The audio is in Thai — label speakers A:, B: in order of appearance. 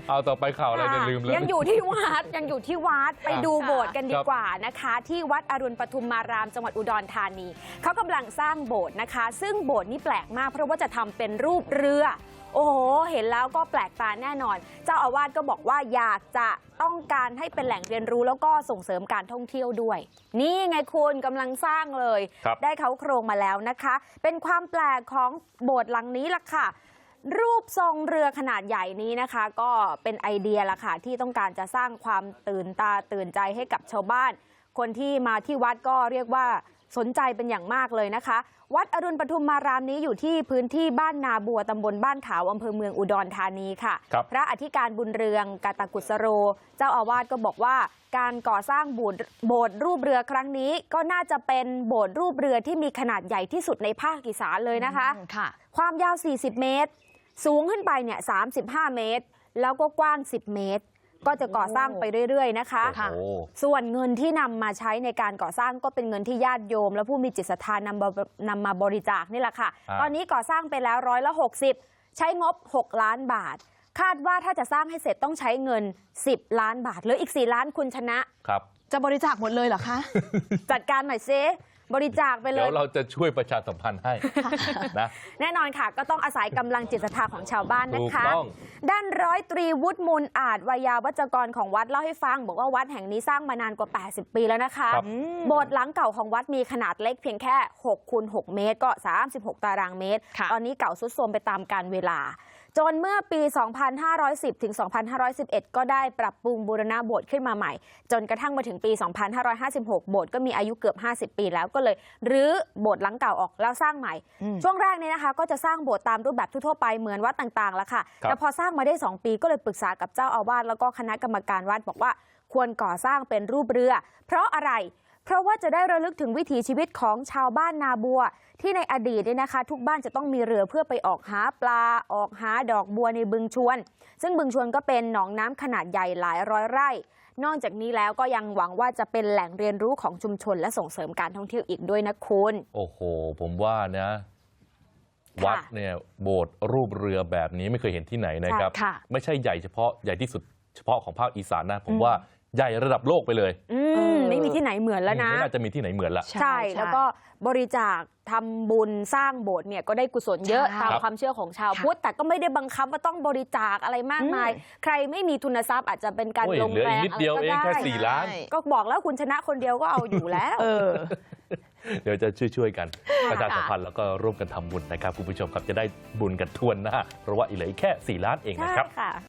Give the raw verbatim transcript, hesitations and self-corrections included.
A: เอาต่อไปข่าวอะไรเนี่ยลืมเลย
B: ยังอยู่ที่วัดยังอยู่ที่วัดไปดูโบสถ์กันดีกว่านะคะที่วัดอรุณปทุมมารามจังหวัดอุดรธานีเขากำลังสร้างโบสถ์นะคะซึ่งโบสถ์นี้แปลกมากเพราะว่าจะทำเป็นรูปเรือโอ้โหเห็นแล้วก็แปลกตาแน่นอนเจ้าอาวาสก็บอกว่าอยากจะต้องการให้เป็นแหล่งเรียนรู้แล้วก็ส่งเสริมการท่องเที่ยวด้วยนี่ไงคุณกำลังสร้างเลยได้เขาโครงมาแล้วนะคะเป็นความแปลกของโบสถ์หลังนี้ล่ะค่ะรูปทรงเรือขนาดใหญ่นี้นะคะก็เป็นไอเดียละค่ะที่ต้องการจะสร้างความตื่นตาตื่นใจให้กับชาวบ้านคนที่มาที่วัดก็เรียกว่าสนใจเป็นอย่างมากเลยนะคะวัดอรุณปทุมมารามนี้อยู่ที่พื้นที่บ้านนาบัวตำบลบ้านขาวอำเภอเมืองอุดรธานีค่ะพระอธิการบุญเรืองกาตกุสโรเจ้าอาวาสก็บอกว่าการก่อสร้างโบสถ์โบสถ์รูปเรือครั้งนี้ก็น่าจะเป็นโบสถ์รูปเรือที่มีขนาดใหญ่ที่สุดในภาคอีสานเลยนะคะความยาวสี่สิบเมตรสูงขึ้นไปเนี่ยสามสิบห้าเมตรแล้วก็กว้างสิบเมตรก็จะก่อสร้างไปเรื่อยๆนะคะส่วนเงินที่นำมาใช้ในการก่อสร้างก็เป็นเงินที่ญาติโยมและผู้มีจิตศรัทธานำนำมาบริจาคนี่แหละค่ะตอนนี้ก่อสร้างไปแล้วร้อยละหกสิบใช้งบหกล้านบาทคาดว่าถ้าจะสร้างให้เสร็จต้องใช้เงินสิบล้านบาทเหลืออีกสี่ล้านคุณชนะครับ
C: จะบริจาคหมดเลยเหรอคะ
B: จัดการหน่อยซิบริจาคไปเลย
A: เดี๋ยวเราจะช่วยประชาสัมพันธ์ให้นะ
B: แน่นอนค่ะก็ต้องอาศัยกำลังจิตศรัทธาของชาวบ้านนะคะด้านร้อยตรีวุฒิมูลอาจวายาวัจกรของวัดเล่าให้ฟังบอกว่าวัดแห่งนี้สร้างมานานกว่าแปดสิบปีแล้วนะคะโบสถ์หลังเก่าของวัดมีขนาดเล็กเพียงแค่หกคูณหกเมตรก็สามสิบหกตารางเมตรตอนนี้เก่าทรุดโทรมไปตามกาลเวลาจนเมื่อปี สองพันห้าร้อยสิบ ถึง สองพันห้าร้อยสิบเอ็ด ก็ได้ปรับปรุงบูรณะโบสถ์ขึ้นมาใหม่จนกระทั่งมาถึงปี สองพันห้าร้อยห้าสิบหก โบสถ์ก็มีอายุเกือบห้าสิบปีแล้วก็เลยรื้อโบสถ์หลังเก่าออกแล้วสร้างใหม่ช่วงแรกนี้นะคะก็จะสร้างโบสถ์ตามรูปแบบทั่วไปเหมือนวัดต่างๆแล้วค่ะแต่พอสร้างมาได้สองปีก็เลยปรึกษากับเจ้าอาวาสแล้วก็คณะกรรมการวัดบอกว่าควรก่อสร้างเป็นรูปเรือเพราะอะไรเพราะว่าจะได้ระลึกถึงวิถีชีวิตของชาวบ้านนาบัวที่ในอดีตเนี่ยนะคะทุกบ้านจะต้องมีเรือเพื่อไปออกหาปลาออกหาดอกบัวในบึงชวนซึ่งบึงชวนก็เป็นหนองน้ำขนาดใหญ่หลายร้อยไร่นอกจากนี้แล้วก็ยังหวังว่าจะเป็นแหล่งเรียนรู้ของชุมชนและส่งเสริมการท่องเที่ยวอีกด้วยนะคุณ
A: โอ้โหผมว่านะวัดเนี่ยโบสถ์รูปเรือแบบนี้ไม่เคยเห็นที่ไหนนะครับไม่ใช่ใหญ่เฉพาะใหญ่ที่สุดเฉพาะของภาคอีสานนะผมว่าใหญ่ระดับโลกไปเลย
B: ไม่มีที่ไหนเหมือนแล้วนะ
A: ไม่น่าจะมีที่ไหนเหมือนละ
B: ใช่แล้วก็บริจาคทำบุญสร้างโบสถ์เนี่ยก็ได้กุศลเยอะตามความเชื่อของชาวพุทธแต่ก็ไม่ได้บังคับว่าต้องบริจาคอะไรมากมายใครไม่มีทุนทรัพย์อาจจะเป็นการลงแรง
A: นิดเดียวเองแค่สี่ล้าน
B: ก็บอกแล้วคุณชนะคนเดียวก็เอาอยู่แล้ว
A: เดี๋ยวจะช่วยๆกันประชาสัมพันธ์แล้วก็ร่วมกันทำบุญนะครับคุณผู้ชมครับจะได้บุญกันทั่วหน้าเพราะว่าอีกเหลือแค่สี่ล้านเองนะครับ